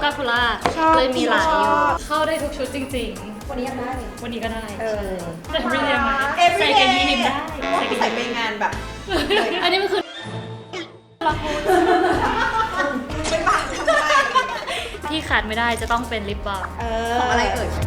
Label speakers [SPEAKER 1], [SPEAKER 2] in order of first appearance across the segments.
[SPEAKER 1] พูล่าเลยมีหลายอยู่เข้าได้ทุกชุดจริงๆ
[SPEAKER 2] วันนี้ยังได้
[SPEAKER 1] วันนี้ก็ได้
[SPEAKER 2] แต่
[SPEAKER 1] everyday มา
[SPEAKER 2] everyday
[SPEAKER 1] ใส่กันยีนได้
[SPEAKER 2] ใส่ไปงานแบบ
[SPEAKER 1] อันนี้มันคือละคร
[SPEAKER 2] เป็นบ้า
[SPEAKER 1] ที่ขาดไม่ได้จะต้องเป็นลิปบาล์ม
[SPEAKER 2] ของอะไรเอ่ย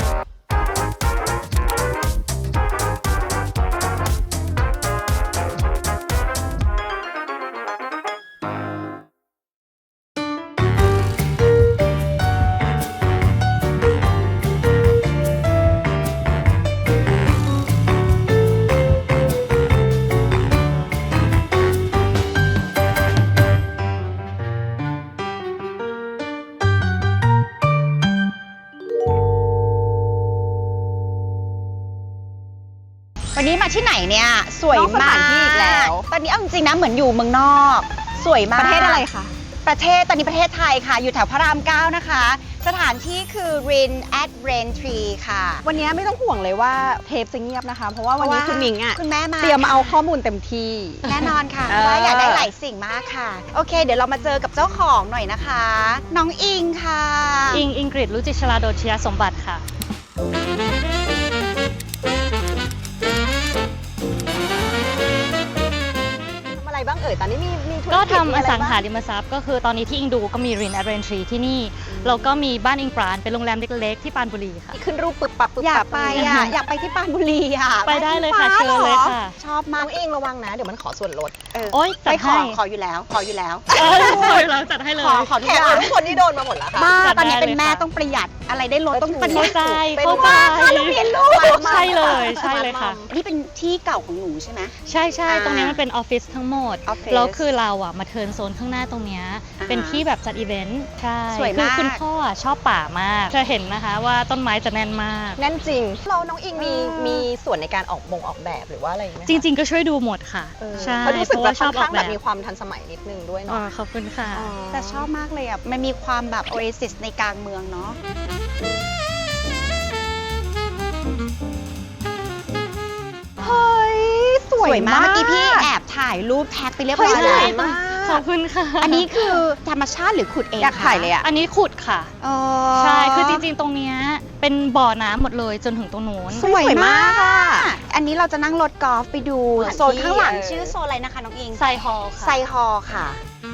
[SPEAKER 3] วันนี้มาที่ไหนเนี่ยสวยมากที่อีกแล้วตอนนี้เอาจริงๆนะเหมือนอยู่เมืองนอกสวยมาก
[SPEAKER 2] ประเทศอะไรคะ
[SPEAKER 3] ประเทศตอนนี้ประเทศไทยค่ะอยู่แถวพระราม9นะคะสถานที่คือ Rin at Rain Tree ค่ะ
[SPEAKER 2] วันนี้ไม่ต้องห่วงเลยว่าเทปจะเงียบนะคะเพราะว่าวันนี้คุณมิงอ่ะ
[SPEAKER 3] คุณแม่มา
[SPEAKER 2] เตรียมเอาข้อมูลเต็มที่
[SPEAKER 3] แน่นอนค่ะเพราะว่าอยากได้หลายสิ่งมากค่ะโอเคเดี๋ยวเรามาเจอกับเจ้าของหน่อยนะคะน้องอิงค่ะ
[SPEAKER 1] อิงกฤษรุจิชลาโดชยสมบัติค่ะ
[SPEAKER 2] บ้างเอ่ยตอนนี้มีธุรกิจ
[SPEAKER 1] ก็ทำอสังหาริมทรัพย์ก็คือตอนนี้ที่อิงดูก็มี Rin at Rain Tree ที่นี่แล้วก็มีบ้านอิงปราณเป็นโรงแรมเล็กๆที่ปรานบุรีค่ะ
[SPEAKER 2] ขึ้นรูปปึบปับ
[SPEAKER 3] อยากไปอยากไปที่ปรานบุรีอ่ะ
[SPEAKER 1] ไปได้เลยค่ะเชิญเลยค่ะ
[SPEAKER 3] ชอบมาก
[SPEAKER 2] น้องเองระวังนะเดี๋ยวมันขอส่วนลด
[SPEAKER 1] โอ๊ยจัดให้
[SPEAKER 3] ขออยู่แล้วขออยู่แล้ว
[SPEAKER 1] จัดให้เลย
[SPEAKER 3] ขอทุกอย่าง
[SPEAKER 2] ทุกคนที่โดนมาหมดแล้วค่ะ
[SPEAKER 3] บ้าตอนนี้เป็นแม่ต้องประหยัดอะไรได้ลดต้องประหยัด
[SPEAKER 1] เข้าใจ
[SPEAKER 3] ต้องเรียนรู้
[SPEAKER 1] ใช่เลยค่ะ
[SPEAKER 3] นี่เป็นที่เก่าของหนูใช่ไหม
[SPEAKER 1] ใช่ตรงนี้มันเป็นออฟฟิศทั้งหมดแล้วคือเราอ่ะมาเทิร์นโซนข้างหน้าตรงนี้เป็นที่แบบจัดอีเวนต์ใช่คือคุณพ่อชอบป่ามากจะเห็นนะคะว่าต้นไม้จะแน่นมาก
[SPEAKER 2] แน่นจริงเราน้องอิงมีส่วนในการออกแบบหรือว่าอะไรไหม
[SPEAKER 1] จริงๆก็ช่วยดูหมดค่ะใช่
[SPEAKER 2] เพราะรู้สึกว่าชอบแบบมีความทันสมัยนิดนึงด้วยเนาะ
[SPEAKER 1] ขอบคุณค่ะ
[SPEAKER 3] แต่ชอบมากเลยอ่ะมันมีความแบบโอเอซิสในกลางเมืองเนาะ
[SPEAKER 2] เฮ้ยสวยมาก
[SPEAKER 3] เมื่อกี้พี่แอบถ่ายรูปแท็กไปเรียบร้อยแล้ว
[SPEAKER 1] ขอบคุณค่ะ
[SPEAKER 3] อันนี้คือธรรมชาติหรือขุดเอง
[SPEAKER 2] อยากถ่ายเลยอ่ะ
[SPEAKER 1] อันนี้ขุดค่ะใช่คือจริงๆตรงนี้เป็นบ่อน้ำหมดเลยจนถึงตรงนู้น
[SPEAKER 3] สวยมากค่ะอันนี้เราจะนั่งรถกอล์ฟไปดูโซนข้างหลังชื่อโซนอะไรนะคะน้องอิง
[SPEAKER 1] ไซฮอลค่ะ
[SPEAKER 3] ไซฮอลค่ะ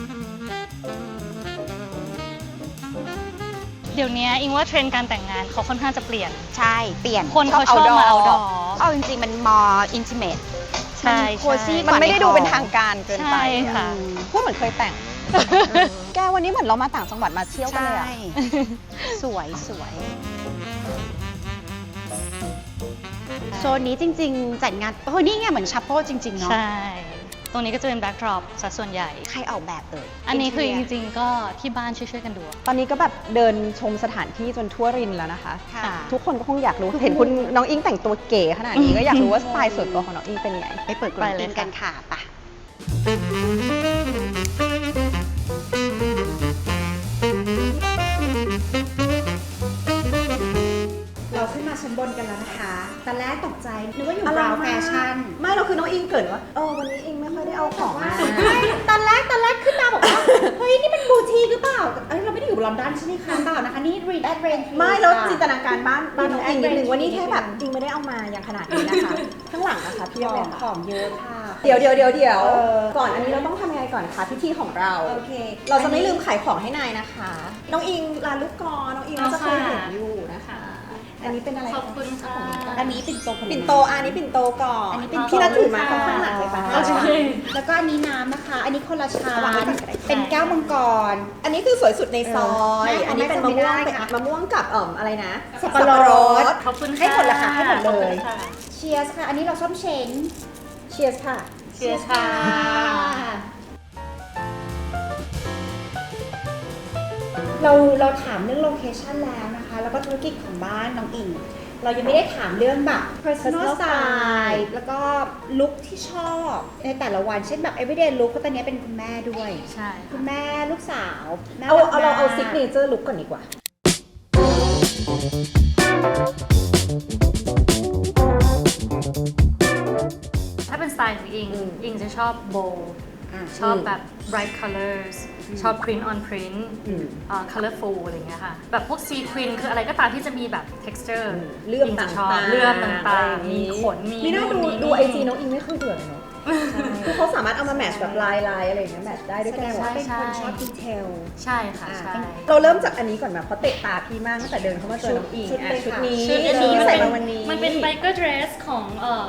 [SPEAKER 1] เดี๋ยวนี้อิงว่าเทรนด์การแต่งงานเขาค่อนข้างจะเปลี่ยน
[SPEAKER 3] ใช่เปลี่ยน
[SPEAKER 1] คนเขาชอบมาเอาดอ
[SPEAKER 3] เอาจริงๆมันมออินทิเมท
[SPEAKER 1] ใช่
[SPEAKER 2] มันไม่ได้ดูเป็นทางการเกินไป
[SPEAKER 1] ค่ะ
[SPEAKER 2] พูดเหมือนเคยแต่งแกวันนี้เหมือนเรามาต่างจังหวัดมาเที่ยวกันเลยอ่ะ
[SPEAKER 3] สวยโซนนี้จริงๆจัดงานนี่ไงเหมือนชัปเปิลจริงๆเนาะ
[SPEAKER 1] ใช่ตรงนี้ก็จะเป็นแบ็กดรอปซะส่วนใหญ่
[SPEAKER 3] ใครออกแบบ
[SPEAKER 1] อันนี้คือจริงๆก็ที่บ้านช่วยๆกันดู
[SPEAKER 2] ตอนนี้ก็แบบเดินชมสถานที่จนทั่วรินแล้วนะคะทุกคนก็คงอยากรู้เห็นคุณน้องอิงแต่งตัวเก๋ขนาดนี้ก็อยากรู้ว่าสไตล์ส่วนตัวของน้องอิงเป็นไง
[SPEAKER 3] ไปเปิดกลุ่มอิงกันค่ะป่ะ
[SPEAKER 4] เราขึ้นมาชั้นบนกันแล้วนะคะตอนแรกตกใจนึกว่าอยู่ราวแฟชั่น
[SPEAKER 2] ไม่เราคือน้องอิงเกิดว่าวันนี้อิงไม่ค่อยได้เอาของมา
[SPEAKER 4] ตอนแรกขึ้นมาบอกว่าเฮ้ยนี่เป็นบูทีหรือเปล่าเราไม่ได้อยู่ลอนดอนใช่ไหมคะเปล่านะคะนี่ Rin at Rain
[SPEAKER 2] ไม่แล้วจินตนาการบ้านน้องอิงนิดนึงวันนี้แค่แบบอิงไม่ได้เอามาอย่างขนาดนี้นะคะข้างหลังนะคะพี่
[SPEAKER 4] ของเยอะค่ะ
[SPEAKER 2] เดี๋ยวก่อนอันนี้เราต้องทำยังไงก่อนคะพิธีของเรา
[SPEAKER 4] โอเค
[SPEAKER 2] เราจะไม่ลืมขายของให้นายนะคะน้องอิงร้านลูกกอน้องอิงจะเคยเห็นอยู่นะคะอันนี้เป็นอะไร
[SPEAKER 1] ขอบคุณค่ะ
[SPEAKER 4] อันนี้ปิ่นโต
[SPEAKER 2] อันนี้ปิ่นโตก่อนพี่นัทถือมาข้างหลังเลยป่ะ
[SPEAKER 4] แล้วก็อันนี้น้ำนะคะอันนี้คนละชาเป็นแก้วมังกร
[SPEAKER 2] อันนี้คือสวยสุดในซอยอันนี้เป็นมะม่วงกับอะไรนะ
[SPEAKER 4] สับปะรด
[SPEAKER 1] ขอบคุณค่ะ
[SPEAKER 4] ให้หมดละค่ะให้หมดเลยเชียร์ค่ะอันนี้เราส้มเช้ง
[SPEAKER 2] เชียร์ค่ะ
[SPEAKER 1] เชียร์ค่ะ
[SPEAKER 4] เราถามเรื่องโลเคชันแล้วนะคะแล้วก็ธุรกิจของบ้านน้องอิงเรายังไม่ได้ถามเรื่องแบบ personal style แล้วก็ลุคที่ชอบในแต่ละวันเช่นแบบ everyday look เพราะตอนนี้เป็นคุณแม่ด้วย
[SPEAKER 1] ใช่
[SPEAKER 4] คุณแม่ลูกสาว
[SPEAKER 2] เราเอา signature look ก่อนดีกว่า
[SPEAKER 1] ถ้าเป็นสไตล์ของอิงจะชอบโบว์ชอบแบบ bright colors ชอบ print on print colorful อะไรเงี้ยค่ะแบบพวก sequin คืออะไรก็ตามที่จะมีแบบ texture
[SPEAKER 2] เลื่อม
[SPEAKER 1] งจะช
[SPEAKER 2] ต่า
[SPEAKER 1] อบ
[SPEAKER 2] งๆ
[SPEAKER 1] เลื่อมต่างๆมีขนมี
[SPEAKER 2] น่า
[SPEAKER 1] นู่น
[SPEAKER 2] ดู
[SPEAKER 1] มี
[SPEAKER 2] ดู
[SPEAKER 1] นี่
[SPEAKER 2] ไอจีน้องอิงไม่เคยเบื่อเลยเนาะคือเขาสามารถเอามาแมทช์แบบลายอะไรอย่างเงี้ยแมทช์ได้ด้วย
[SPEAKER 4] แส
[SPEAKER 2] กัน
[SPEAKER 4] ดง
[SPEAKER 2] หมด
[SPEAKER 4] ว่าเป็นคนชอบดีเทล
[SPEAKER 1] ใช่ค่ะใช่
[SPEAKER 2] เราเริ่มจากอันนี้ก่อนแบบเพราะเตะตาพี่มากตั้งแต่เดินเข้ามาเจอน้องอิง
[SPEAKER 4] ชุดเลย
[SPEAKER 2] ชุด
[SPEAKER 4] ค่ะ
[SPEAKER 2] นี้
[SPEAKER 1] ชุดอันนี้
[SPEAKER 2] ที่
[SPEAKER 1] มัน
[SPEAKER 2] ใส่
[SPEAKER 1] เป็น
[SPEAKER 2] มาวันนี้
[SPEAKER 1] มันเป็น biker dress ของ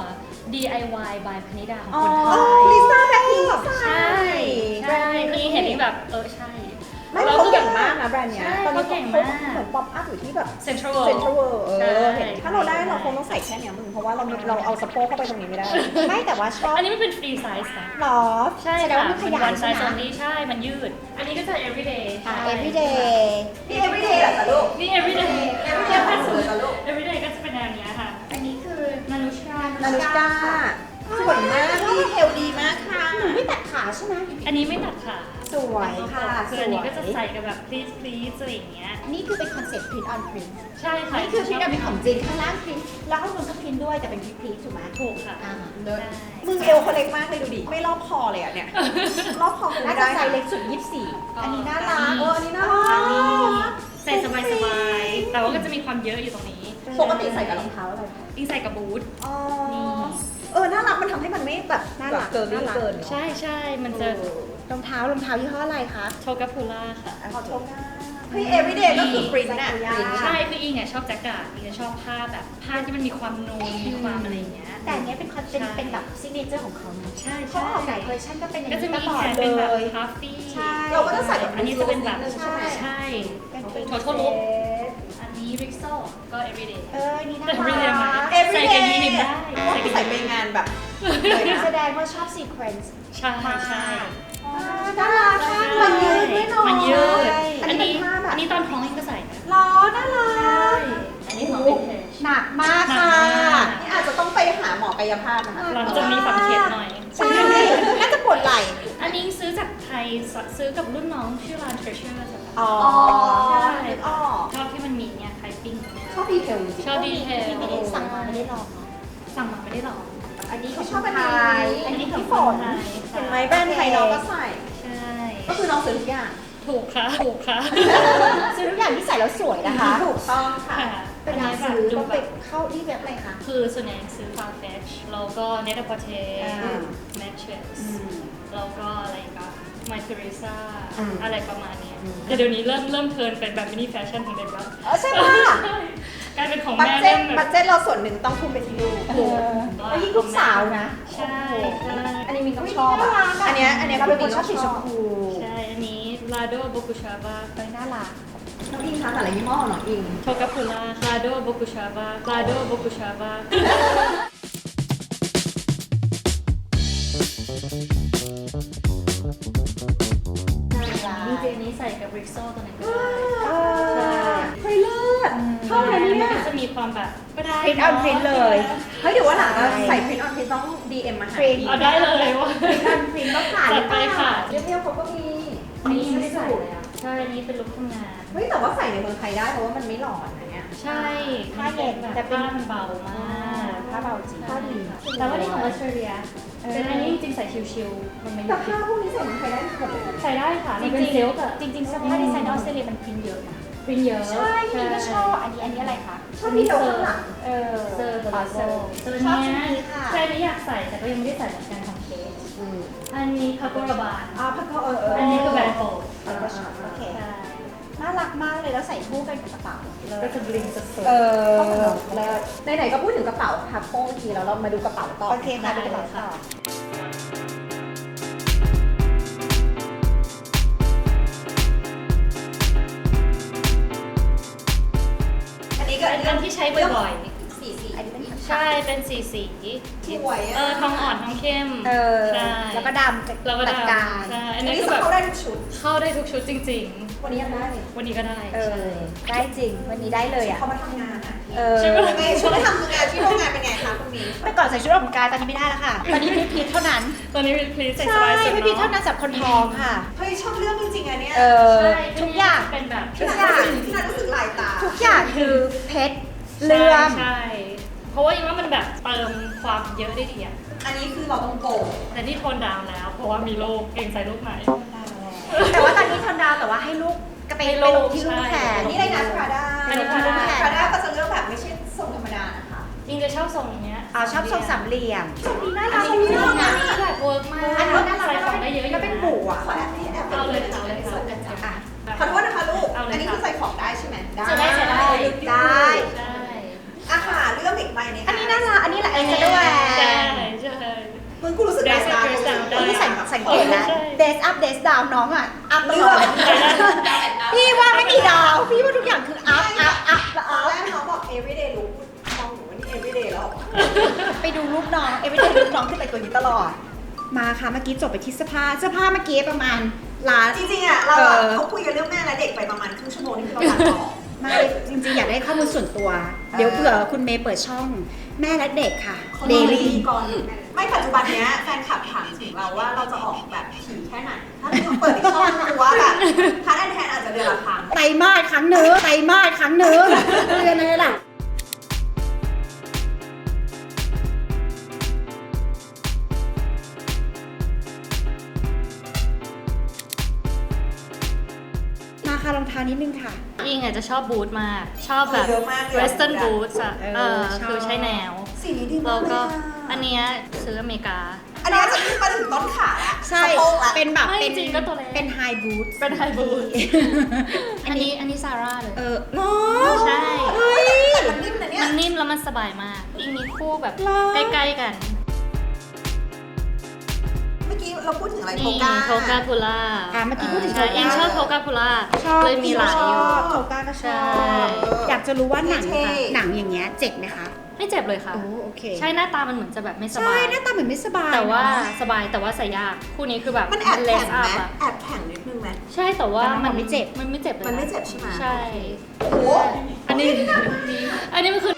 [SPEAKER 1] DIY by พนิดาของ
[SPEAKER 2] อ๋อ
[SPEAKER 1] คนไทย
[SPEAKER 2] ลิซ่าแบ็คพิงค์
[SPEAKER 1] ใช่ใช่นี่เห็นนี่แบบใช่
[SPEAKER 2] ไม่เขาเก่งมากนะแบรนด์เนี้ย
[SPEAKER 1] ใช่
[SPEAKER 2] ตอนนี้
[SPEAKER 1] เขาเก่ง
[SPEAKER 2] เขา
[SPEAKER 1] มาก
[SPEAKER 2] เหมือนป๊อปอัพอยู่ที่แบบ
[SPEAKER 1] Central
[SPEAKER 2] เซ็น
[SPEAKER 1] World
[SPEAKER 2] ทรัลเวิลด์
[SPEAKER 1] ใช่
[SPEAKER 2] เห็นถ้าเราได้เราคงต้องใส่แค่เนี้ยมึงเพราะว่าเราเอาสะโพกเข้าไปตรงนี้ไม่ได้
[SPEAKER 4] ไม่แต่ว่าชอบ
[SPEAKER 1] อันนี้มันเป็น free size นะ
[SPEAKER 4] หรอ
[SPEAKER 1] ใช่
[SPEAKER 4] แสดง
[SPEAKER 1] ค่ะ
[SPEAKER 4] ว่ามันขยาย
[SPEAKER 1] one
[SPEAKER 4] ใช่
[SPEAKER 1] size
[SPEAKER 4] ไหม
[SPEAKER 1] only ใช่ มันยืด อันนี้ก็จะ everyday ใช่
[SPEAKER 4] everyday
[SPEAKER 2] นี่ everyday เหรอจ๊ะลูก
[SPEAKER 1] นี่ everyday
[SPEAKER 2] everyday ผ่านสุดเลยจ้ะลูก
[SPEAKER 1] everyday ก็จะเป็นแนวเนี้ยค่ะ
[SPEAKER 4] อันนี้คือ
[SPEAKER 1] นานุชกา
[SPEAKER 2] นานุชกาสวยมากดีเทลดีมากค่ะ
[SPEAKER 4] หนูไม่ตัดขาใช่ไหม
[SPEAKER 1] อันนี้ไม่ตัดขา
[SPEAKER 4] สวยค่ะ
[SPEAKER 1] คืออันนี้ก็จะใส่กับแบบ please please อะไรอย่างเงี้ย
[SPEAKER 4] นี่คือเป็นคอนเซ็ปต์ print on print
[SPEAKER 1] ใช่ค่ะ
[SPEAKER 4] นี่คือ print on print ของจริงข้างล่าง print แล้วข้างบนก็ print ด้วยแต่เป็น print ถูกไหม
[SPEAKER 1] ถูกค่ะ
[SPEAKER 4] อ่า
[SPEAKER 1] ใช่
[SPEAKER 2] มึงเอวเขาเล็กมากเลยดูดิ ไม่รอบคอเลยอ่ะเนี่ย รอบคอคุณ
[SPEAKER 4] น่า
[SPEAKER 2] ไม่
[SPEAKER 4] จะ
[SPEAKER 2] ได้
[SPEAKER 4] ไซส์เล็กสุด 24 อันนี้น่ารัก
[SPEAKER 2] อันนี้น่า
[SPEAKER 1] อันนี้
[SPEAKER 2] รัก
[SPEAKER 1] ใส่สบายๆ แต่ว่าก็จะมีความเยอะอยู่ตรงนี้
[SPEAKER 2] ปกติใส่กับรองเท้าอะไรคะ
[SPEAKER 1] อิงใส่กับบูท
[SPEAKER 2] อ๋อ
[SPEAKER 1] นี่
[SPEAKER 2] น่ารักมันทำให้มันไม่แบบ
[SPEAKER 4] น่ารัก
[SPEAKER 2] เกิน
[SPEAKER 4] น่ารัก
[SPEAKER 2] เกิน
[SPEAKER 1] ใช่ใช่มันจะ
[SPEAKER 4] รองเท้ยี่ห้ออะไรคะ
[SPEAKER 1] โชกาพูล่าค่ะ
[SPEAKER 2] ขอชมนะเฮ้ย everyday ก็คือ print น่ะ print
[SPEAKER 1] ใช่ คืออิงอ่ะชอบแจ็คเก็ตอิงจะชอบผ้าแบบผ้าที่มันมีความนูนมีความอะไรอย่างเงี้ย
[SPEAKER 4] แต่อันเนี้ยเป็น
[SPEAKER 1] ใช่
[SPEAKER 4] เป็นแบบซิกเนเจอร์ของเขานะ
[SPEAKER 1] ใช่
[SPEAKER 4] เขา
[SPEAKER 1] ใช่
[SPEAKER 4] ออกหลายเวอร์ชันก็เป็นอย่าง
[SPEAKER 1] ก็จะ
[SPEAKER 4] นี้
[SPEAKER 1] มี
[SPEAKER 4] ตลอ
[SPEAKER 1] แข
[SPEAKER 4] ด
[SPEAKER 1] น
[SPEAKER 4] เล
[SPEAKER 1] เป็นแบบ
[SPEAKER 4] ย
[SPEAKER 1] พัฟฟี่
[SPEAKER 4] ใช่
[SPEAKER 2] เราก็จะใส่แบบ
[SPEAKER 1] อันนี้จะเป็นแบบ
[SPEAKER 2] ใช่ไหม
[SPEAKER 1] ใช่
[SPEAKER 4] เป็น
[SPEAKER 1] โททอลุกอันนี้ริกโซก็ everyday
[SPEAKER 4] นี่น่า
[SPEAKER 1] แต่ everyday
[SPEAKER 4] รั
[SPEAKER 1] ไหม
[SPEAKER 4] ก
[SPEAKER 1] ใส่กับยีนได้
[SPEAKER 2] ว่าใส่ไปงานแบบเลยนะ
[SPEAKER 4] แสดงว่าชอบซีเควนซ์
[SPEAKER 1] ใช่ใช่
[SPEAKER 4] น่ารักมากมันยืดด้วยเนาะ
[SPEAKER 1] มันยืด
[SPEAKER 2] อั
[SPEAKER 1] อั
[SPEAKER 2] น
[SPEAKER 1] น
[SPEAKER 2] นี้
[SPEAKER 1] นี้
[SPEAKER 2] เป็นผ้าแบบ
[SPEAKER 1] อันนี้ตอนท้องอิงก็ใส่นะ
[SPEAKER 4] ล้อน่ารั
[SPEAKER 1] ใช่
[SPEAKER 4] ก
[SPEAKER 1] อันนี้ของวินเทจ
[SPEAKER 4] หนักมาก
[SPEAKER 1] หนัก
[SPEAKER 4] ค่ะ
[SPEAKER 1] มาก
[SPEAKER 2] นี่อาจจะต้องไปหาหมอกายภาพนะคะ
[SPEAKER 1] หลังจากมีฝังเข็มหน่อย
[SPEAKER 4] ใช่ น่าจะปวดไหล่
[SPEAKER 1] อันนี้ซื้อจากไทยซื้อกับรุ่นน้องชื่อร้าน Treasure ค่ะ
[SPEAKER 2] อ๋อ
[SPEAKER 1] ใช่
[SPEAKER 2] นึกออก
[SPEAKER 1] ชอบที่มันมีเนี่ยไข่ปิ้งเนี่ย
[SPEAKER 2] ชอบดีเทลจริง
[SPEAKER 1] ชอบดีเทล
[SPEAKER 4] ที่ไม่ได้สั่งมาไม่ได้ลองเนาะ
[SPEAKER 1] สั่งมาไม่ได้ลอง
[SPEAKER 4] อันนี้
[SPEAKER 2] เขาชอบอัน
[SPEAKER 4] ไท
[SPEAKER 2] นี้
[SPEAKER 4] ย
[SPEAKER 1] อันนี้ของ
[SPEAKER 2] พี่ฝน
[SPEAKER 1] คนไทย
[SPEAKER 2] เห็นไหมแบรนด์ไทยน้องก็ใส่
[SPEAKER 1] ใช่
[SPEAKER 2] ก็คือน้องซื้อทุกอย่าง
[SPEAKER 1] ถูกค่ะถูกค่ะ
[SPEAKER 4] ซื้อทุกอย่างที่ใส่แล้วสวยนะคะ
[SPEAKER 2] ถูกต้องค่ะ
[SPEAKER 1] ค่ะ
[SPEAKER 4] เวลาซื้อต้องไปเข้าที่เว็บอะไรคะ
[SPEAKER 1] คือส่วนใหญ่ซื้อ Farfetch แล้วก็ Net a p o r t e
[SPEAKER 2] อ่า
[SPEAKER 1] Matches แล้วก็อะไรก็ My Teresa
[SPEAKER 2] อืม
[SPEAKER 1] อะไรประมาณเนี้ยแต่เดี๋ยวนี้เริ่มเทิร์นเป็นแบบมินิแฟชั่นของเด็กแล้ว
[SPEAKER 2] ใช่ปะ
[SPEAKER 1] กลายเป็นของ
[SPEAKER 2] บัต
[SPEAKER 1] แม่
[SPEAKER 2] เจ็
[SPEAKER 1] เริ่
[SPEAKER 2] ต
[SPEAKER 1] มแบ
[SPEAKER 2] บั
[SPEAKER 1] บ
[SPEAKER 2] ตเจ็ตเราส่วนหนึ่งต้องทุ่มไปที่ลูก
[SPEAKER 4] แล้วยิ่งลูกสาวนะ
[SPEAKER 1] ใช่ใช่
[SPEAKER 2] อันนี้มินต้องชอบอ่ะ อันเนี้ย
[SPEAKER 4] เราเป็นคนชอบสีชมพู
[SPEAKER 1] ใช่ อันนี้ Lado Bokushava
[SPEAKER 4] น่ารัก
[SPEAKER 2] น้องอิงคะแต่ละยี่ห้อของน้องอิง
[SPEAKER 1] โชกาพูล่า Lado Bokushava Lado Bokushava จริงๆอันนี้ใส่กับ Rixo ตัวไหนก็ได้ ใช่
[SPEAKER 2] เฮ้ยเลิศชอบเลย
[SPEAKER 1] มั
[SPEAKER 2] เนี่ย
[SPEAKER 1] ก็จะมีความแบบก็ได้
[SPEAKER 4] print on print เลย
[SPEAKER 2] เฮ้ยเดี๋ยวว่าหลังเราใส่พรินออนพรินต้อง DM มาหา
[SPEAKER 4] print
[SPEAKER 1] เอาได้เลยว่า
[SPEAKER 4] พรินต้องผ่าน
[SPEAKER 1] จัดไปค่ะ
[SPEAKER 2] เรียวๆเขาก็มี
[SPEAKER 1] อันนี้ไม่ได้ใส่เลยอ่ะ ใช่ อันนี้เป็นลุคทำงาน
[SPEAKER 2] เฮ้ยแต่ว่าใส่ในเมืองไทยได้เพราะว่ามันไม่หลอนนะเนี่ย
[SPEAKER 1] ใช่
[SPEAKER 4] ผ้าเย็น
[SPEAKER 1] แต่
[SPEAKER 4] แต่เป็น
[SPEAKER 1] ผ้ามันเบามาก
[SPEAKER 4] ผ้าเบาจริง
[SPEAKER 1] ผ้าดีแต่ว่านี่ของออสเตรเลียเป็นอันนี้จริงๆใส่ชิวๆมันไม่
[SPEAKER 2] แต่ผ้าพวกนี้ใส่เมืองไทยได้หมดเลย
[SPEAKER 1] ใส่ได้ค่ะ
[SPEAKER 4] จ
[SPEAKER 1] มัน
[SPEAKER 4] ริ
[SPEAKER 1] เป็น
[SPEAKER 4] ง
[SPEAKER 1] เซลล์อะ
[SPEAKER 4] ๆจริงๆเสื้อผ้าดีไซน์ออสเตรเลียมันพิมพ์เยอะนะ
[SPEAKER 1] ปริ้นเยอะ
[SPEAKER 4] ใช่พี่ก็ชอบอันนี้อะไรคะ
[SPEAKER 2] ชอบดีเทลข้างหลัง
[SPEAKER 4] เออ
[SPEAKER 1] เซอร์ตัว
[SPEAKER 4] เซอร์
[SPEAKER 1] ตัว
[SPEAKER 4] ชอบ
[SPEAKER 1] เนี้
[SPEAKER 4] ชุด
[SPEAKER 1] ย
[SPEAKER 4] นี้ค่ะ
[SPEAKER 1] ใช่ไม่อยากใส่แต่ก็ยังไม่ได้ใส่เหมือนกันของเคสอันนี้คาโกราบาน
[SPEAKER 2] ผ้าก็
[SPEAKER 1] อันนี้คือแบรนด์โปรด
[SPEAKER 4] โอเค
[SPEAKER 1] ใช่
[SPEAKER 4] น่ารักมากเลยแล้วใส่คู่กันกับกระเป๋า
[SPEAKER 1] ก็จะบลิงสุด
[SPEAKER 2] แล้วไหนๆก็พูดถึงกระเป๋าพับโป้งทีแล้วเรามาดูกระเป๋าต่อ
[SPEAKER 4] โอเคค่ะดูกระเป๋าต่อ
[SPEAKER 2] อันนี้
[SPEAKER 1] ๆ
[SPEAKER 2] ก็
[SPEAKER 1] อันที่ใช้บ่อย
[SPEAKER 2] สี
[SPEAKER 4] อันนี้เป็น
[SPEAKER 1] ๆ ใช่เป็นสี
[SPEAKER 2] สวย
[SPEAKER 1] ทองอ่อนทองเข้ม ใช่
[SPEAKER 4] แล้วก็ดำ
[SPEAKER 1] แล้วก็
[SPEAKER 4] ตัด
[SPEAKER 1] ดำ
[SPEAKER 4] กลาง
[SPEAKER 1] ใช่ อั
[SPEAKER 2] อั
[SPEAKER 1] น
[SPEAKER 2] น
[SPEAKER 1] นี้
[SPEAKER 2] นี้
[SPEAKER 1] คือแบบ
[SPEAKER 2] เขาได้ทุกชุด
[SPEAKER 1] เข้าได้ทุกชุดจริง
[SPEAKER 2] วันนี้ยังได้เลย
[SPEAKER 1] ๆ วันนี้ก็ได้
[SPEAKER 4] เอ
[SPEAKER 1] ใช่
[SPEAKER 4] อได้จริงวันนี้ได้เลยอ่ะ
[SPEAKER 2] เขามาทำงานอ่ะ
[SPEAKER 4] เออ
[SPEAKER 1] ใช่ไหม
[SPEAKER 2] ไงชุดไปทำงานที่โรงงานเป็นไงคะคุณมิ้น
[SPEAKER 4] แต่ก่อนใส่ชุดออกกำลังกายตอนนี้ไม่ได้แล้วค่ะ ตอนนี้พีทเท่านั้น
[SPEAKER 1] ตอนนี้เป็นพลีสใส่ส
[SPEAKER 4] ใช่
[SPEAKER 1] บายสุด
[SPEAKER 4] พีท
[SPEAKER 1] เนาะ
[SPEAKER 4] เท่านั้นสำหรับคนท้องค่ะ
[SPEAKER 2] เฮ้ยชอบเรื่องจริงๆอันเนี้ย
[SPEAKER 4] เออ
[SPEAKER 1] ใช่
[SPEAKER 4] ทุกอย่าง
[SPEAKER 1] เป็นแบบ
[SPEAKER 2] พี่นัทรู้สึกลายตา
[SPEAKER 4] ทุกอย่างคือเพชรเลื่อม
[SPEAKER 1] ใช่เพราะว่ายังว่ามันแบบเติมความเยอะได้ดีอะ
[SPEAKER 4] อันนี้คือเราต้องโกง
[SPEAKER 1] แต่นี่โทนดาวน์แล้ว เพราะว่ามีลูกเก่งใส่ลูกไหน
[SPEAKER 4] แต่ว่าตอนนี้ทอนดาวแต่ว่าให้ลูกก็ไป
[SPEAKER 1] ให้
[SPEAKER 4] ไป
[SPEAKER 1] ลู
[SPEAKER 4] ล
[SPEAKER 1] ก
[SPEAKER 4] งที่ลูกแทน
[SPEAKER 1] ใช่
[SPEAKER 4] นี่เลยนะพราด้า
[SPEAKER 1] อันนี้ Prada
[SPEAKER 4] พราด้าก็จะเลือกแบบไม่ใช่ทรงธรรมดานะคะ
[SPEAKER 1] อิงจะชอบทรงเนี้ย
[SPEAKER 4] ชอบทรงสามเหลี่ยมนี่น่า
[SPEAKER 1] อั
[SPEAKER 4] รั
[SPEAKER 1] น
[SPEAKER 4] ก
[SPEAKER 1] นี้
[SPEAKER 4] นี่
[SPEAKER 1] ทรง
[SPEAKER 4] น่า
[SPEAKER 1] นี้
[SPEAKER 4] รัก
[SPEAKER 1] แบบเวิร์กมาก
[SPEAKER 4] อันนี้น่ารัก
[SPEAKER 1] ใส่ของได้เยอะอยู่
[SPEAKER 4] แล้วเป็น
[SPEAKER 1] นะ
[SPEAKER 4] บุ๋อ่ะขอแอบ
[SPEAKER 1] เอาเลยค่ะเอาเลยค่ะ
[SPEAKER 4] ขอโทษนะคะลูก
[SPEAKER 1] เอาเลยค่ะ
[SPEAKER 4] อันนี้คือใส่ของได้ใช่ไหม
[SPEAKER 1] จะได้จะได้
[SPEAKER 4] ได้
[SPEAKER 1] ใช่
[SPEAKER 4] อาหารเรื่องอีกใบนี้
[SPEAKER 3] อันนี้น่ารักอันนี้แหละเอ็นจะด้วย
[SPEAKER 1] ใช่ใช่
[SPEAKER 4] มึงกูรู้สึก
[SPEAKER 1] Dress up
[SPEAKER 4] ตา
[SPEAKER 1] dress down ได้
[SPEAKER 3] ที่สังเกตนะ
[SPEAKER 1] ใช่
[SPEAKER 3] Days up Days down น้องอ่ะ อัพต
[SPEAKER 4] เลื
[SPEAKER 3] ล
[SPEAKER 4] อ
[SPEAKER 3] อก ดพี่ว่าไม่มีดาว พี่ว่าทุกอย่างคืออัพอัพอัพแล้ว
[SPEAKER 4] ตอ
[SPEAKER 3] อั
[SPEAKER 4] น
[SPEAKER 3] พ
[SPEAKER 4] แรกน้องบอก everyday look มองหนูว่านี่ everyday แล้ว
[SPEAKER 3] ไปดูรูปน้องเอวิเดนรูปน้องขึ้นแต่งตัวนี้ตลอด มาค่ะเมื่อกี้จบไปที่เสื้อผ้าเมื่อกี้ประมาณล้าน
[SPEAKER 4] จริงๆอ่ะเราอ่ะเขาคุยกันเรื่องแม่และเด็กไปประมาณครึ่งชั่วโมงนี่คือเราตัดต่อ
[SPEAKER 3] ไม่จริงๆ อยากได้ข้อมูลส่วนตัว เดี๋ยวเผื่อคุณเมย์เปิดช่องแม่และเด็กค่ะ
[SPEAKER 4] เด
[SPEAKER 3] Daily
[SPEAKER 4] ลี่ก่อนไม่ปัจจุบันเนี้ยแฟนคลับถามถึงเราว่าเราจะออกแบบถี่แค่ไหน ถ้าเราเปิดอีกช่องคือว่าแบบพาร์ทแอนแทนอาจจะเดือนละครั้ง
[SPEAKER 3] ไตรมาสครั้งหนึ่งเดือนอะไรล่ะ มาค่ะรองเท้านิดนึงค่ะ
[SPEAKER 1] อิงอาจจะชอบบูทมาก ชอบแบบ
[SPEAKER 4] เยอะมากเลย
[SPEAKER 1] western boots อะ
[SPEAKER 3] ชอบ
[SPEAKER 1] คือใช้แนว
[SPEAKER 4] สีนี้ดีมา
[SPEAKER 1] แล้
[SPEAKER 4] ก
[SPEAKER 1] ว
[SPEAKER 4] เลย
[SPEAKER 1] ก็
[SPEAKER 4] อะ
[SPEAKER 1] อันเนี้ยซื้ออเมริกา
[SPEAKER 4] อันนี้จะขึ้นมาถึงต้นขาละ
[SPEAKER 3] ใช่
[SPEAKER 4] สะโพกละ
[SPEAKER 3] เป็นแบบ
[SPEAKER 1] ไม่
[SPEAKER 3] เป็น
[SPEAKER 1] จริงก็ตัวเล็ก
[SPEAKER 3] เป็นไฮบูท
[SPEAKER 1] เป็น high boot อันนี้ซาร่าเลย
[SPEAKER 3] เนาะ
[SPEAKER 1] ใช่
[SPEAKER 3] เฮ้ย
[SPEAKER 4] แต่มันนิ่มนะเนี่ย
[SPEAKER 1] มันนิ่มแล้วมันสบายมาก อิงมีคู่แบบ
[SPEAKER 3] หรอ
[SPEAKER 1] ใกล้ๆกัน
[SPEAKER 4] เมื่อกี้เราพูดถึงอะไรโท
[SPEAKER 1] นี่
[SPEAKER 4] กา
[SPEAKER 1] โทกาพูล่า
[SPEAKER 3] เมื่อกี้พูดถึง
[SPEAKER 1] ใช่
[SPEAKER 3] โทกา
[SPEAKER 1] อิงชอบโทกาพูล่า
[SPEAKER 3] ชอบ
[SPEAKER 1] เลยมีหลายอยู่
[SPEAKER 3] โทก้าก็ช
[SPEAKER 1] ใช่
[SPEAKER 3] อบอยากจะรู้ว่าหนัง
[SPEAKER 4] เท่ๆ
[SPEAKER 3] หนังอย่างเงี้ยเจ็บไหมคะ
[SPEAKER 1] ไม่เจ็บเลยค่ะ
[SPEAKER 3] โอเค
[SPEAKER 1] ใช่หน้าตามันเหมือนจะแบบไม่ส
[SPEAKER 3] ใช่
[SPEAKER 1] บาย
[SPEAKER 3] หน้าตาเหมือนไม่สบาย
[SPEAKER 1] แต่ว่า
[SPEAKER 3] เนอะ
[SPEAKER 1] สบายแต่ว่าใส่ยาก คู่นี้คือแบบ
[SPEAKER 4] มันแอบ
[SPEAKER 1] เล
[SPEAKER 4] แข็
[SPEAKER 1] ส
[SPEAKER 4] ง
[SPEAKER 1] อั
[SPEAKER 4] ไห
[SPEAKER 1] พ
[SPEAKER 4] ม
[SPEAKER 1] อะ
[SPEAKER 4] แอบแข็งนิดนึงไหม
[SPEAKER 1] ใช่แต่ว่า
[SPEAKER 3] แต่มันไม่เจ็บ
[SPEAKER 1] มันไม่เจ็บเลย
[SPEAKER 4] มันไม่เจ็บใช่ไหม
[SPEAKER 1] ใช่
[SPEAKER 4] โอ้โห
[SPEAKER 1] อันนี้มันคือ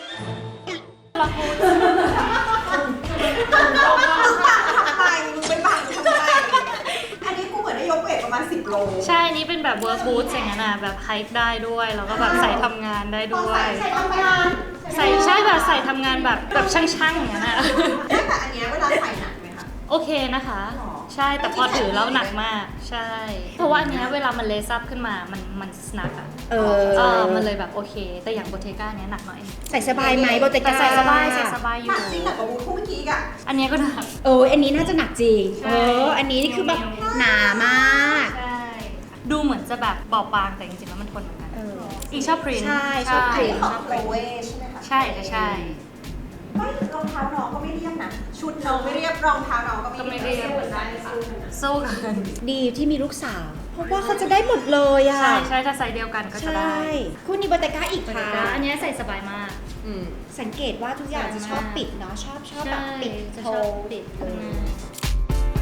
[SPEAKER 4] มึงบังทำไมมึงเป็นบังทำไมอันนี้กูเหมือนได้ยกเวทประมาณ10 โล
[SPEAKER 1] ใช่นี่เป็นแบบเวิร์กบูทอย่างนั้นอะแบบไฮค์ได้ด้วย แล้วก็แบบใส่ทำงานได้ด้วย
[SPEAKER 4] ใส่ทำงาน
[SPEAKER 1] ใส่ใช่แบบใส่ทำงานแบบช่างๆอย่างนั้นอะ
[SPEAKER 4] แต่อันเนี้ยเวลาใส่หนักไหมคะ
[SPEAKER 1] โอเคนะคะ
[SPEAKER 4] หรอ
[SPEAKER 1] ใช่แต่พอถือแล้วหนักมาก ใช่ เพราะว่าอันเนี้ยเวลามันเลซับขึ้นมามันสนักอะมันเลยแบบโอเค แต่อย่างโบเทก้าเนี้ยหนักหน่อย
[SPEAKER 3] ใส่สบายไหมโบเต
[SPEAKER 1] แต่
[SPEAKER 3] ก้า
[SPEAKER 1] ใส่สบายอ
[SPEAKER 4] หนั
[SPEAKER 1] ยู่
[SPEAKER 4] กจริงหนักกว่าบูทคู่เมื่อกี้อีกอะ
[SPEAKER 1] อันเนี้ยก็หนัก
[SPEAKER 3] อันนี้น่าจะหนักจริง
[SPEAKER 1] ใช่
[SPEAKER 3] อันนี้นี่คือแบบหนามาก
[SPEAKER 1] ใช่ ดูเหมือนจะแบบเบาบางแต่จริงๆแล้วมันทนเหมือนกัน อีกชอบพรินท์
[SPEAKER 3] ใช่ชอบ print
[SPEAKER 4] ของโคเวใช่ไหมคะ
[SPEAKER 1] ใช่ค่ะใช่
[SPEAKER 4] ไม่รองเท้าน้องก็ไม่เรียบนะ ชุดน้องไม่เรียบรองเท้าน้องก็
[SPEAKER 1] ก็ไม่
[SPEAKER 4] ไม่
[SPEAKER 1] เรี
[SPEAKER 4] เรี
[SPEAKER 1] ย
[SPEAKER 4] ย
[SPEAKER 1] บ
[SPEAKER 4] บเหมือนกันค่ะ
[SPEAKER 1] สู้กัน
[SPEAKER 3] ดีที่มีลูกสาว เพราะว่าเขาจะได้หมดเลยอ่ะ
[SPEAKER 1] ใช่ถ้าไซส์เดียวกันก็จะได้
[SPEAKER 3] คู่นี้โบเตก้าอีกค่ะ
[SPEAKER 1] อันเนี้ยใส่สบายมาก
[SPEAKER 3] สังเกตว่าทุกอย่างจะชอบปิดเนาะชอบแบบปิด
[SPEAKER 1] จะ
[SPEAKER 3] โท
[SPEAKER 1] ชอบปิดข้างหน้า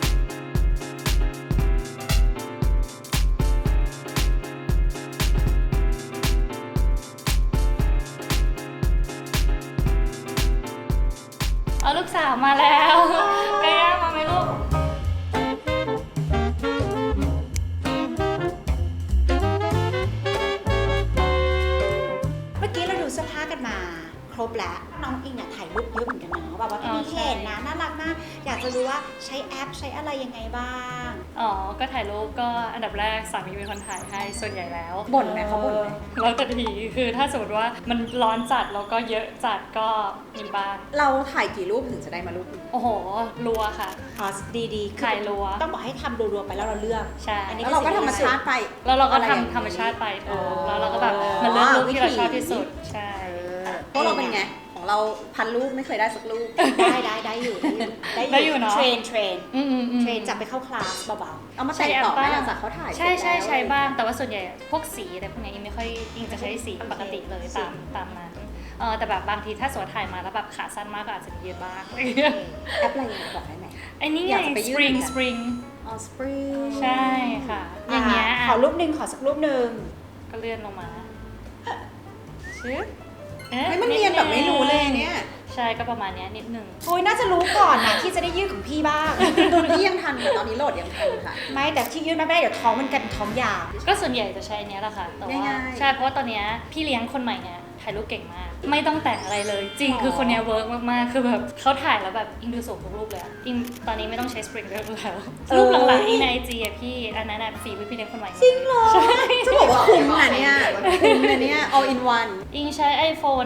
[SPEAKER 1] เอาลูกสาวมาแล้วไปย่ามาไหมลูก
[SPEAKER 3] เมื่อกี้เราดูเสื้อผ้ากันมาครบแล้วน้องอิงเนี่ยถ่ายรูปเยอะเหมือนกันเนาะแบบว่าพี่เห็นนะน่ารักมากอยากจะรู้ว่าใช้แอปใช้อะไรยังไงบ้าง
[SPEAKER 1] อ๋อ ก็ถ่ายรูปก็อันดับแรกสามีเป็นคนถ่ายให้ส่วนใหญ่แล้ว
[SPEAKER 3] บ่นไหมเขาบ่นไหม
[SPEAKER 1] แล้วแต่ทีคือถ้าสมมติว่ามันร้อนจัดแล้วก็เยอะจัดก็มีบ้าง
[SPEAKER 4] เราถ่ายกี่รูปถึงจะได้มารูปหนึ่ง
[SPEAKER 1] โอ้โห รัวค่ะ
[SPEAKER 3] ดีๆ
[SPEAKER 1] ถ่ายรัว
[SPEAKER 3] ต้องบอกให้ทำรัวๆไปแล้วเราเลือก
[SPEAKER 1] ใช่
[SPEAKER 3] อันนี้
[SPEAKER 4] แล้วเราก็ธรรมชาติไป
[SPEAKER 1] แล้วเราก็
[SPEAKER 4] อะไรอย่างนี้
[SPEAKER 1] ทำธรรมชาติไป
[SPEAKER 3] อ๋อ
[SPEAKER 1] แล้วเราก็แบบมันเลือกรูปที่เราชอบที่สุด ใช่
[SPEAKER 4] พวกเราเป็นไง ของเราพันรูปไม่เคยได้สักรูป
[SPEAKER 3] ได้อยู่
[SPEAKER 1] ได้อยู่เนอะ
[SPEAKER 3] เทรนเทรน
[SPEAKER 1] ๆ
[SPEAKER 3] จับไปเข้าคลาสเบา
[SPEAKER 4] เอามาแต่งต่อไหมหลังจากเขาถ่าย
[SPEAKER 1] ใช่
[SPEAKER 4] เสร็จแล้ว
[SPEAKER 1] ใช้บ้าง แต่ว่าส่วนใหญ่พวกสีอะไรพวกเนี้ยยังไม่ค่อยยิงจะใช้สีปกติเลยตามนั้นแต่แบบบางทีถ้าสวมถ่ายมาแล้วแบบขาสั้นมากก็อาจจะมียืดบ้าง
[SPEAKER 3] ๆแอปอะไรบอกได้ไหม
[SPEAKER 1] ไอ้นี่
[SPEAKER 4] อ
[SPEAKER 1] ไง
[SPEAKER 4] ยากจะไปยืดเหมือนกัน
[SPEAKER 1] spring
[SPEAKER 4] อ๋อ spring
[SPEAKER 1] ใช่ค่ะ อย่างเงี้ย
[SPEAKER 3] ขอรูปหนึ่งขอสักรูปหนึ่ง
[SPEAKER 1] ก็เลื่อนลงมาชึบ
[SPEAKER 4] เฮ้ยมันเนียนแบบไม่รู้เลยเนี่ย
[SPEAKER 1] ใช่ก็ประมาณเนี้ยนิดนึง
[SPEAKER 3] โอ้ยน่าจะรู้ก่อนนะที่จะได้ยืดของพี่บ้าง
[SPEAKER 4] นี่ยังทันตอนนี้โหลดยังทันค่ะ
[SPEAKER 3] ไม่แต่ที่ยืดไม่ได้เดี๋ยวท้องมันกันท้องยาว
[SPEAKER 1] ก็ส่วนใหญ่จะใช้อันเนี้ยแหละค่ะแต่ว่า
[SPEAKER 4] ง่ายๆ
[SPEAKER 1] ใช่เพราะว่าตอนเนี้ยพี่เลี้ยงคนใหม่เนี่ยถ่ายรูปเก่งมากไม่ต้องแต่งอะไรเลยจริงคือคนเนี้ยเวิร์กมากๆคือแบบเขาถ่ายแล้วแบบอิงดูสูงทุกรูปเลยอะอิงตอนนี้ไม่ต้องใช้สปริงเกอร์แล้วรูปหลังๆอิงใน IG อะพี่อันนั้นอะฝีมือพี่เลี้ยงคนใหม่จริงเหรอใช่
[SPEAKER 2] จะบอกว่าคุ้มนะเนี่ยคุ้มนะเนี่ย all in one
[SPEAKER 1] อิงใช้ iPhone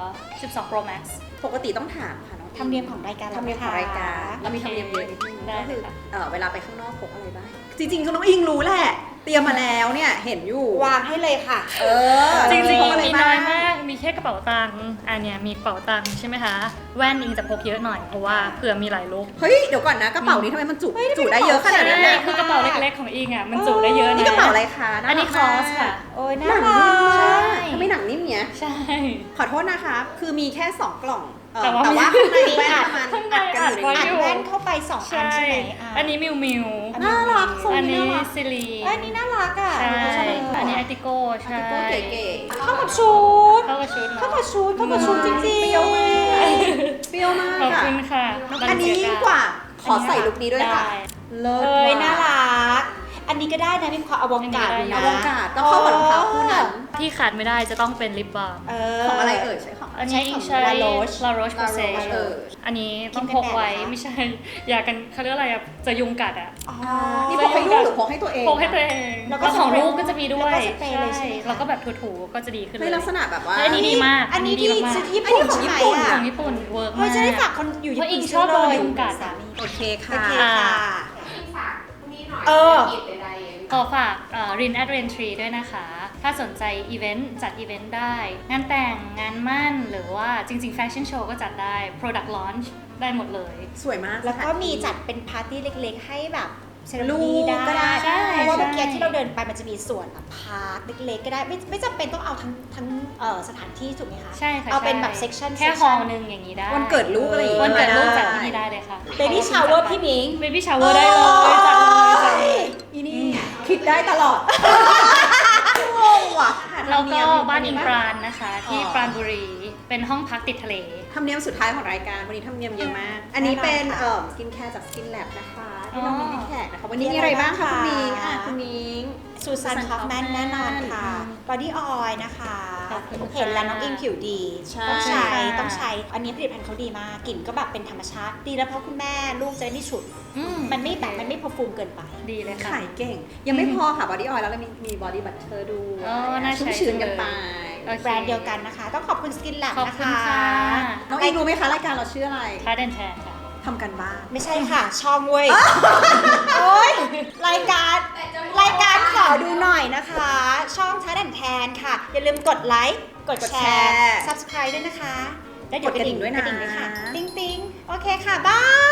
[SPEAKER 1] 12 Pro Max
[SPEAKER 2] ปกติต้องถามค่ะน้อง
[SPEAKER 3] ธรรมเนียมของรายการ
[SPEAKER 2] ธรรมเนียมของรายการเรามีธรรมเนียมเยอะนิดนึง
[SPEAKER 1] ได้
[SPEAKER 2] ก็คือ
[SPEAKER 1] ค่ะ
[SPEAKER 2] เวลาไปข้างนอกพกอะไรบ้างจริงๆคือน้องอิงรู้แหละเตรียมมาแล้วเนี่ยเห็นอยู่
[SPEAKER 3] วางให้เลยค่ะ
[SPEAKER 1] จริง
[SPEAKER 2] พกอะไร
[SPEAKER 1] ๆมี
[SPEAKER 2] บ้า
[SPEAKER 1] น้อง ยมาก มีแค่กระเป๋าตังค์อันเนี้ยมีกระเป๋าตังค์ใช่ไหมคะ แว่นอิงจะพกเยอะหน่อยเพราะว่าเผื่อมีหลายลุค
[SPEAKER 2] เฮ้ยเดี๋ยวก่อนนะกระเป๋านี้ทำไมมันจุได้เยอะขนาดนั้น
[SPEAKER 1] ใช่
[SPEAKER 2] น่ะ
[SPEAKER 1] คือกระเป๋าเล็กๆของอิงอ่ะมันจุได้เยอะนะ
[SPEAKER 2] นี่กระเป๋าอะไรคะา
[SPEAKER 1] อันนี้
[SPEAKER 2] รัก
[SPEAKER 1] ค
[SPEAKER 2] มา
[SPEAKER 1] อก สค่ะ
[SPEAKER 3] โอ้ย
[SPEAKER 2] ห
[SPEAKER 3] น่า
[SPEAKER 2] นัง
[SPEAKER 3] รั
[SPEAKER 2] นิ่ม
[SPEAKER 3] ก
[SPEAKER 2] ใช่ทำไมหนังนิ่มเนี้ย
[SPEAKER 1] ใช่
[SPEAKER 2] ขอโทษนะคะคือมีแค่2กล่อง
[SPEAKER 1] แต่ว่า
[SPEAKER 2] ข้างในแว่นประมาณ
[SPEAKER 1] ข้างใน
[SPEAKER 2] อัดกันอยู่ใน
[SPEAKER 1] อั
[SPEAKER 2] นี้
[SPEAKER 1] ด
[SPEAKER 3] แว่นเข้าไป2 อัน
[SPEAKER 1] ใช่
[SPEAKER 3] ใช่ไหมะ
[SPEAKER 1] อันนี้มิวมิว
[SPEAKER 2] น่ารักทรง
[SPEAKER 1] อัน
[SPEAKER 2] นี้
[SPEAKER 1] นี้
[SPEAKER 2] น่ารัก
[SPEAKER 1] ซิลี
[SPEAKER 3] อันนี้น่ารักอ่ะ
[SPEAKER 1] ใช่
[SPEAKER 3] ชอบเลย
[SPEAKER 1] อันนี้อาติโก้ใช่
[SPEAKER 2] ก็เก๋ๆ
[SPEAKER 3] เข้ากับชุด
[SPEAKER 1] เข้ากับชุดเนอะ
[SPEAKER 3] เข้ากับชุดจริงๆ
[SPEAKER 2] เปรี้ยวมากเปรี้ยวมาก
[SPEAKER 1] ขอบ
[SPEAKER 2] อ่ะ
[SPEAKER 1] คุณค่ะ
[SPEAKER 2] อันนี้ยิ่งกว่าขอใส่ลุคนี้ด้วยค่ะ
[SPEAKER 1] ได้
[SPEAKER 2] เลิศ
[SPEAKER 3] เอ้ย
[SPEAKER 2] ว่ะ
[SPEAKER 3] น่ารัก อันนี้ก็ได้นะมีความอวกาศ
[SPEAKER 1] อันนี้
[SPEAKER 3] อยู่
[SPEAKER 1] ได้
[SPEAKER 3] นะ
[SPEAKER 2] อวกาศต้องเข้ากับรองเท้าคู่นั้น
[SPEAKER 1] ที่ขาดไม่ได้จะต้องเป็นลิปบาล์ม
[SPEAKER 2] ของอะไรเอ่ยใช้ของ
[SPEAKER 1] อันนี้อิงใช้
[SPEAKER 3] La Roche
[SPEAKER 1] La Roche Posay
[SPEAKER 2] La Roche
[SPEAKER 1] อันนี้ต้อง
[SPEAKER 3] กิ
[SPEAKER 1] พ
[SPEAKER 3] น
[SPEAKER 1] ก
[SPEAKER 3] กันแดด
[SPEAKER 1] ไว้
[SPEAKER 3] เหรอคะ
[SPEAKER 1] ไม่ใช่ อยากันเขาเรียกอะไรอะจะยุงกัดอะ
[SPEAKER 3] อ๋อ
[SPEAKER 2] นี่พกให้ลูกหรือพกให้ตัวเอง
[SPEAKER 1] พกให้ตัวเอง
[SPEAKER 3] แล้วก็
[SPEAKER 1] แล้วของลูกก็จะมีด้วย
[SPEAKER 3] แล้วก็สเปรย์เลยใช่ไหมคะ
[SPEAKER 1] แล้วก็แบบถูๆก็จะดีขึ้นเล
[SPEAKER 2] ใน
[SPEAKER 1] ย
[SPEAKER 2] ลักษณะแบบว่า
[SPEAKER 1] อันนี้ดีมาก
[SPEAKER 3] อันนี้ที่
[SPEAKER 1] ดีมาก
[SPEAKER 3] ซื้อที่ญี่ปุ่น
[SPEAKER 2] อันนี้ของ
[SPEAKER 3] ใช่ไหม
[SPEAKER 2] ญี่ปุ่น
[SPEAKER 3] อ่ะ
[SPEAKER 1] ของญี่ปุ่นเวิร์ก
[SPEAKER 3] เฮ้
[SPEAKER 1] มาย ก
[SPEAKER 3] จะได้ฝากคนอยู่ญี่
[SPEAKER 1] เพราะอิ
[SPEAKER 3] ปุ่น
[SPEAKER 1] งชอบโดน
[SPEAKER 3] ซื้
[SPEAKER 1] ยุงกัด
[SPEAKER 3] สา
[SPEAKER 1] อะ
[SPEAKER 3] มี
[SPEAKER 2] โอเค
[SPEAKER 3] โอ
[SPEAKER 2] ค่ะ
[SPEAKER 3] เค
[SPEAKER 1] อ่า
[SPEAKER 3] ค่ะ
[SPEAKER 4] เออ
[SPEAKER 1] ขอฝากรินแอดเรนทรีด้วยนะคะ ถ้าสนใจอีเวนต์จัดอีเวนต์ได้ งานแต่งงานมั่นหรือว่าจริงๆแฟชั่นโชว์ก็จัดได้ Product Launch ได้หมดเลย
[SPEAKER 2] สวยมาก
[SPEAKER 3] แล้วก็
[SPEAKER 2] สถานที่
[SPEAKER 3] มีจัดเป็นปาร์ตี้เล็กๆ ให้แบบเซเลบ
[SPEAKER 2] ลู
[SPEAKER 3] ริตี้
[SPEAKER 2] กก็ได้
[SPEAKER 3] ได้ เพราะว่า
[SPEAKER 1] ใช่
[SPEAKER 3] เมื่อกี้ที่เราเดินไปมันจะมีส่วนแบบพาร์คเล็กๆ ก็ได้ ไม่จำเป็นต้องเอาทั้งสถานที่ถูกไหมคะ
[SPEAKER 1] ใช่ค่ะ
[SPEAKER 3] เอาเป็น
[SPEAKER 1] ใช่
[SPEAKER 3] แบบ section
[SPEAKER 1] แค่
[SPEAKER 3] section
[SPEAKER 1] ฮอลล์นึงอย่างนี้ได้
[SPEAKER 2] วันเกิดลูกอะไรอย่างงี้
[SPEAKER 1] วันเกิดลูก
[SPEAKER 2] ได้
[SPEAKER 1] จัดที่นี่ได้เลยค่ะ
[SPEAKER 3] เบบี้ชาวเวอร์พี่มิง
[SPEAKER 1] เบบี้ชาวเวอร์ได้เลยจัดเลยจัดเลย
[SPEAKER 2] อีนี่คิดได้ตลอดงงว่ะ
[SPEAKER 1] แล้วก็บ้านอิงปราณนะคะ ที่ปราณบุรีเป็นห้องพักติดทะเล
[SPEAKER 2] ธรรมเนียมสุดท้ายของรายการวันนี้ธรรมเนียมเยอะมาก อันนี้เป็นสกินแคร์จากสกินแลบนะคะที่น้องมิ้งให้แขกนะคะวันนี้มีอะไรบ้างคะคุณมิ้งคุณมิ้ง
[SPEAKER 3] ซูซานคอฟแมนแน่นอนค่ะบอดี้ออยล์นะคะ
[SPEAKER 1] ขอบคุณค่ะ
[SPEAKER 3] เห็นแล้วน้องอิงผิวดี
[SPEAKER 2] ใช่
[SPEAKER 3] ต้องใช้
[SPEAKER 1] ค่ะ
[SPEAKER 3] ต้องใช้ อันนี้ผลิตภัณฑ์เขาดีมากกลิ่นก็แบบเป็นธรรมชาติ ดีแล้วเพราะคุณแม่ลูกจะได้ไม่ฉุด มันไม่แบบมันไม่พอฟูมเกินไป
[SPEAKER 1] ดีเลยค่ะ
[SPEAKER 2] ขายเก่ง ยังไม่พอค่ะบอดี้ออยล์แล้วเรามีบอดี้บัตเตอร์ด้วย
[SPEAKER 1] อ๋อน่าใช้
[SPEAKER 2] ชุ่มชื้นกันไป
[SPEAKER 1] โอเค
[SPEAKER 3] แบรนด์เดียวกันนะคะ ต้องขอบคุณสกินแลบ
[SPEAKER 1] ขอบ
[SPEAKER 3] นะ
[SPEAKER 1] คุณ
[SPEAKER 3] คะ
[SPEAKER 1] ค่ะ
[SPEAKER 2] น้องอิงรู้ไหมคะรายการเราชื่ออะไร
[SPEAKER 1] ท้าเดนแทนค่ะ
[SPEAKER 2] ทำกันบ้าน
[SPEAKER 3] ไม่ใช่ค่ะ ช่องเว้ย โอ๊ยรายการขอดูหน่อยนะคะ ช่องท้าแดนแทนค่ะ อย่าลืมกดไลค์ กดแชร์ subscribe ด้วยนะคะ แล้วเดี๋ยว
[SPEAKER 2] กดกระดิ่งด้วยนะ
[SPEAKER 3] กระดิ่งด้วยค่ะ ติ๊งติ๊งโอเคค่ะ บาย